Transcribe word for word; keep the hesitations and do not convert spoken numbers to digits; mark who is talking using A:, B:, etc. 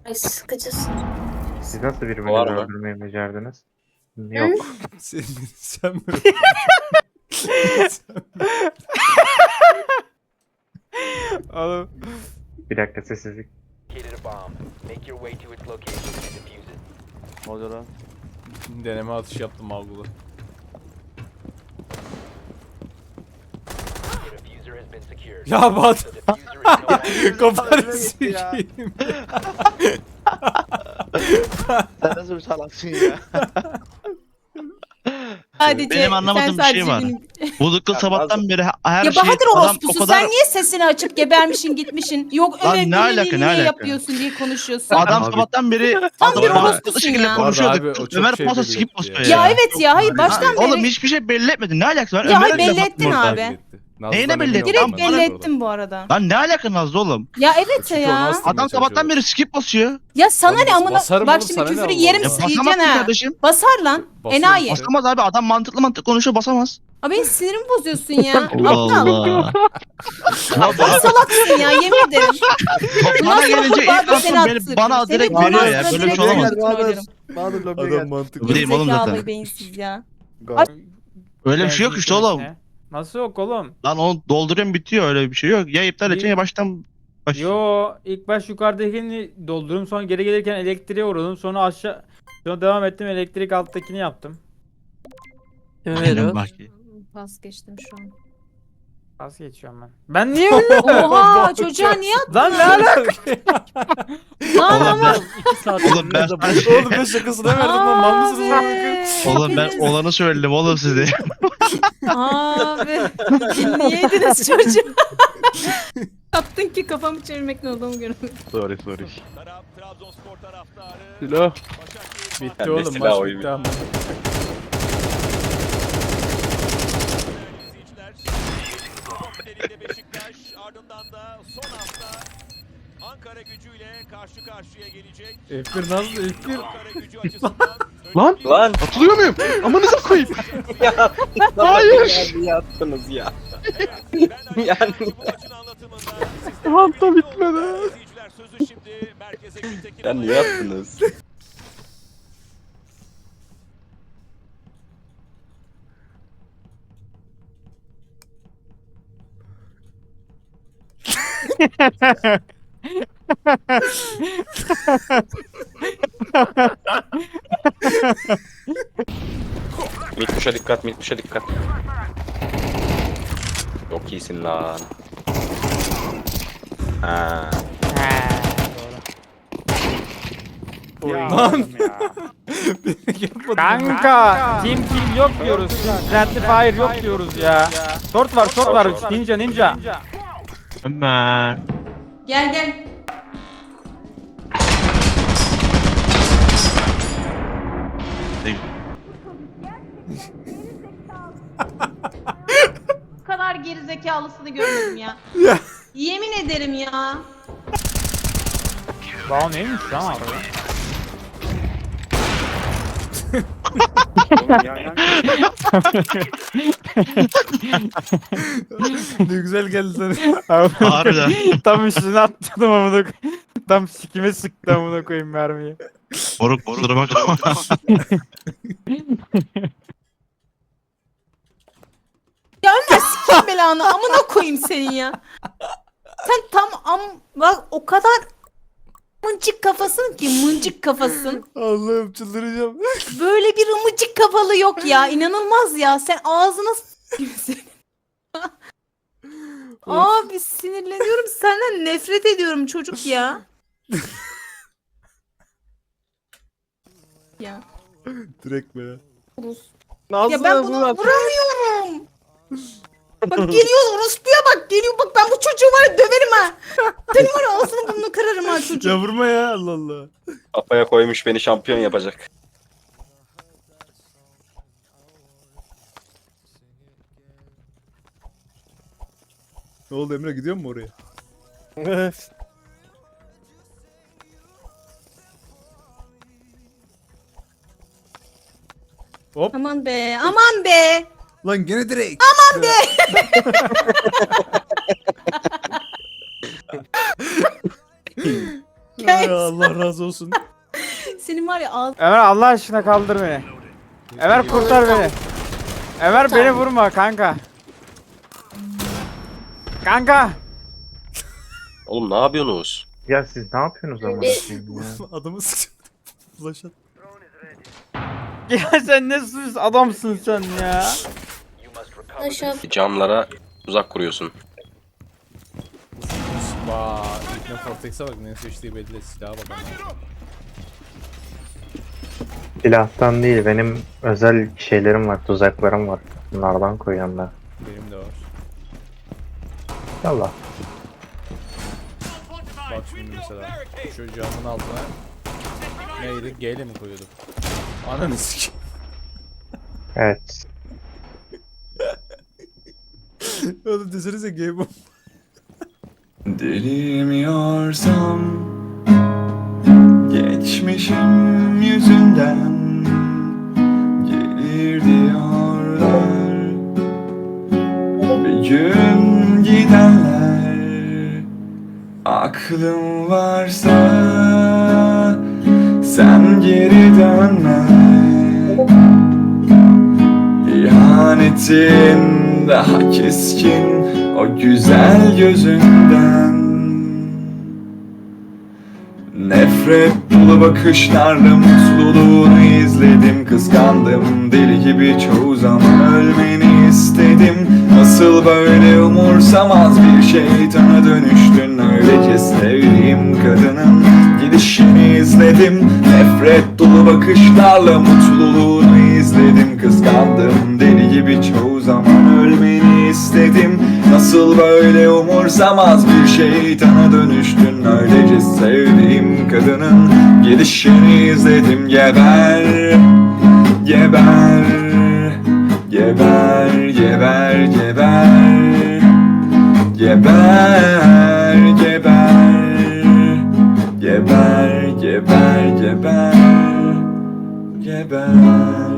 A: Ay sıkıcısın.
B: Siz nasıl
C: Var
B: birbirinizi
C: mı?
B: öldürmeyi becerdiniz? Yok.
D: Sen, sen mi? Oğlum.
B: Bir dakika sessizlik.
C: Ne oluyor lan?
D: Deneme atış yaptım Avgul'a. Ya Bat. Kafanı sikeyim.
C: Sen nasıl bir salaksın ya?
E: Sadece
F: Benim anlamadığım
E: sen
F: bir şey
E: sadece
F: var.
E: benim-
F: Bu dıkkıl sabahtan beri her
E: Ya
F: şey
E: Bahadır
F: adam
E: orospusu
F: o kadar
E: sen niye sesini açıp gebermişin gitmişin? Yok
F: Lan
E: öyle
F: ne alaka, ne alaka?
E: yapıyorsun diye konuşuyorsun.
F: adam
B: Abi.
F: sabahtan beri
E: Tam bir
F: adam
E: orospusun
F: haklı şekilde
E: ya.
F: konuşuyordu.
D: Abi, o çok
F: Ömer
D: şey
F: pasa
D: belli
F: skip
D: etti
F: basıyor
D: ya.
F: ya.
E: Ya evet ya hayır baştan
F: Oğlum
E: beri
F: hiçbir şey belli etmedin. Ne alakası var?
E: Ya
F: Ömer'e
E: hayır,
F: bile
E: belli ettin
F: bakmadı.
E: abi.
D: Nazlı'dan
F: Neyine
D: emin
F: belli ettin?
D: oldum
E: direkt
D: ben
E: belli
D: orada.
E: ettim bu arada.
F: Lan ne alaka Nazlı oğlum?
E: Ya evet
D: Çünkü
E: ya.
D: onu asla-
F: Adam sabahtan beri skip basıyor.
E: Ya sana
D: Oğlum
E: ne amına
D: basarım
E: bak
D: oğlum,
E: şimdi
D: sana ne
E: küfürü
D: Allah
E: yerim
D: Allah.
F: Ya
E: yiyeceksin
F: basamazsın
E: ha.
F: kardeşim.
E: Basar lan.
D: Basıyorum
E: Enayi.
D: işte.
F: Basamaz abi. Adam mantıklı mantıklı konuşuyor, basamaz.
E: Abi benim sinirimi bozuyorsun ya.
F: Allah
E: Aptal.
F: Allah.
E: Aptal salaksın ya yemin ederim.
F: Bana gelince
E: Bahadır
F: ilk lafı
E: seni
F: beni,
E: attırdım.
F: bana
E: Seni
F: direkt
E: bana
F: veriyor ya.
E: attırdı,
F: Böyle bir
E: direkt
F: şey olamaz.
E: seni söylerim.
C: Bahadır lobiye
D: Adam
C: gel.
D: mantıklı.
F: Bileyim oğlum
E: Gerizekalı
F: zaten.
E: beyinsiz ya.
F: Öyle bir şey yok işte oğlum.
G: Nasıl yok oğlum?
F: Lan onu dolduruyorum bitiyor, öyle bir şey yok. Ya iptal edeceksin ya baştan baş.
G: Yo ilk baş yukarıdakini doldurum sonra geri gelirken elektriğe uğradım sonra aşağı sonra devam ettim elektrik alttakini yaptım.
F: Aynen bak.
A: Vazgeçtim şu an.
G: Vazgeçiyorum ben. Ben niye öyle?
E: Oha çocuğa niye attın?
G: Lan ne alaka?
E: Lan
F: Oğlum
E: ama.
F: ben, oğlum ben,
D: Oğlum ben şakasına verdim lan. Mal mısınız lan?
E: Abi.
F: oğlum ben olanı söyledim oğlum size.
E: Abi. Dinleyeydiniz çocuğu. Yaptın ki kafamı çevirmek ne olduğumu görmedim.
F: Sorry sorry.
C: Silah.
D: Bitti
C: Ben de
D: oğlum
C: silah
D: maç
C: oyunu.
D: bitti ama.
H: Beşiktaş ardından da son hafta Ankara gücüyle karşı karşıya gelecek.
D: F bir nasıl F bir?
H: Ankara gücü açısından
C: Lan! Lan!
F: Atılıyor muyum? Amanıza koyayım.
C: Hayır! Niye attınız ya?
H: ben
C: Yani-
H: bu maçın anlatımında
F: Hafta bitmedi.
H: izleyiciler sözü şimdi merkeze Gültekin
C: Ya niye attınız? Mitmuş'a dikkat, Mitmuş'a dikkat. Çok iyisin lan. Ha.
D: Lan. Yapmadım.
G: Kanka team kill yok diyoruz. Friendly fire yok diyoruz ya. Short var short var ninja ninja.
F: Ömer.
E: Gel gel. Bu kadar gerizekalısını görmedim ya. Yemin ederim ya.
G: Wow neymiş lan abi?
D: Ne güzel geldi sana.
F: Harbiden.
G: Tam üstüne attım amına koyayım. Tam sikime sıktı amına koyayım mermiyi.
F: Moruk kusura bakma.
E: Ya Ömer sikeyim belanı amına koyayım senin ya. Sen tam am bak o kadar mıncık kafasın ki mıncık kafasın.
D: Allah'ım çıldıracağım.
E: Böyle bir ımıcık kafalı yok ya. İnanılmaz ya. Sen ağzına s**eyim seni. Abi sinirleniyorum. Senden nefret ediyorum çocuk ya. Ya.
D: Direkt be.
E: Ya ben bunu vuramıyorum. Bak geliyor orospuya bak geliyor bak ben bu çocuğu var ya döverim ha. Senin var ya ağzını burnunu kırarım ha çocuğu.
D: Ya vurma ya Allah Allah.
C: Kafaya koymuş beni şampiyon yapacak.
D: Ne oldu Emre, gidiyor mu oraya? Hop.
E: Aman be aman be.
D: Lan gene direkt.
E: Aman be. Ya Eray.
D: Allah razı olsun.
E: Senin var ya ağzın.
G: Ömer Allah aşkına kaldır beni. Ömer kurtar beni. Ömer beni vurma kanka. Kanka.
C: Oğlum ne yapıyorsunuz?
B: Ya siz ne yapıyorsunuz ama? ya?
D: Adamı sıkıyor. Flash at.
G: Ya sen ne sus adamsın sen ya.
A: Aşağı.
C: Camlara uzak kuruyorsun.
D: Vaa. İlkne Fortex'e bak ne seçtiği belli. Silaha bak ama.
B: Silahtan değil, benim özel şeylerim var, tuzaklarım var. Bunlardan koyuyorum ben.
D: Benim de var.
B: Yallah.
D: Bak şimdi mesela. Şu camın altına neydi? G ile mi koyuyordum? Ananı sikeyim.
B: Evet.
D: Oğlum desenize G bu.
I: Dilemiyorsam geçmişim yüzünden gelir diyorlar. Bir gün gidenler aklım varsa sen geri dönme. İhanetin daha keskin o güzel gözünden. Nefret dolu bakışlarla mutluluğunu izledim. Kıskandım deli gibi çoğu zaman ölmeni istedim. Nasıl böyle umursamaz bir şeytana dönüştün. Öylece sevdiğim kadının gidişini izledim. Nefret dolu bakışlarla mutluluğunu izledim. Kıskandım deli gibi çoğu zaman ölmeni istedim. Nasıl böyle umursamaz bir şeytana dönüştün. Öylece sevdiğim kadının gidişini izledim. Geber, geber, geber, geber, geber, geber, geber, geber, geber, geber, geber.